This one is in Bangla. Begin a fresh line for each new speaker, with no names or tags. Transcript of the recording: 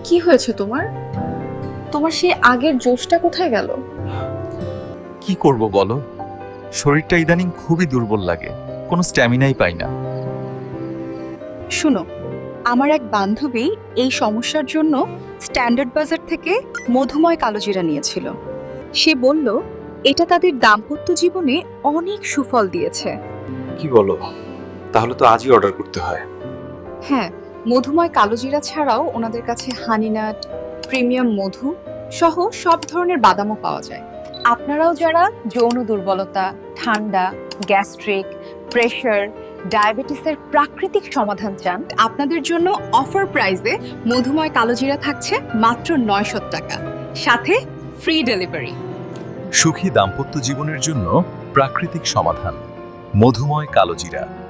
কি হয়েছে তোমার? তোমার সেই আগের জোশটা কোথায় গেল?
কি করব বলো, শরীরটা ইদানিং খুবই দুর্বল লাগে, কোনো স্ট্যামিনাই পাই না।
শুনো, আমার এক বান্ধবী এই সমস্যার জন্য স্ট্যান্ডার্ড বাজার থেকে মধুময় কালোজিরা নিয়েছিল। সে বলল এটা তাদের দাম্পত্য জীবনে অনেক সুফল দিয়েছে।
কি বলো, তাহলে তো আজই অর্ডার করতে হয়।
হ্যাঁ, মধুময় কালোজিরা ছাড়াও ওনাদের কাছে হানিনাট, প্রিমিয়াম মধু সহ সব ধরনের বাদামও পাওয়া যায়। আপনারাও যারা যৌন দুর্বলতা, ঠান্ডা, গ্যাস্ট্রিক, প্রেশার, ডায়াবেটিসের প্রাকৃতিক সমাধান চান, আপনাদের জন্য অফার প্রাইসে মধুময় কালোজিরা থাকছে মাত্র 900 টাকা, সাথে ফ্রি ডেলিভারি।
সুখী দাম্পত্য জীবনের জন্য প্রাকৃতিক সমাধান, মধুময় কালোজিরা।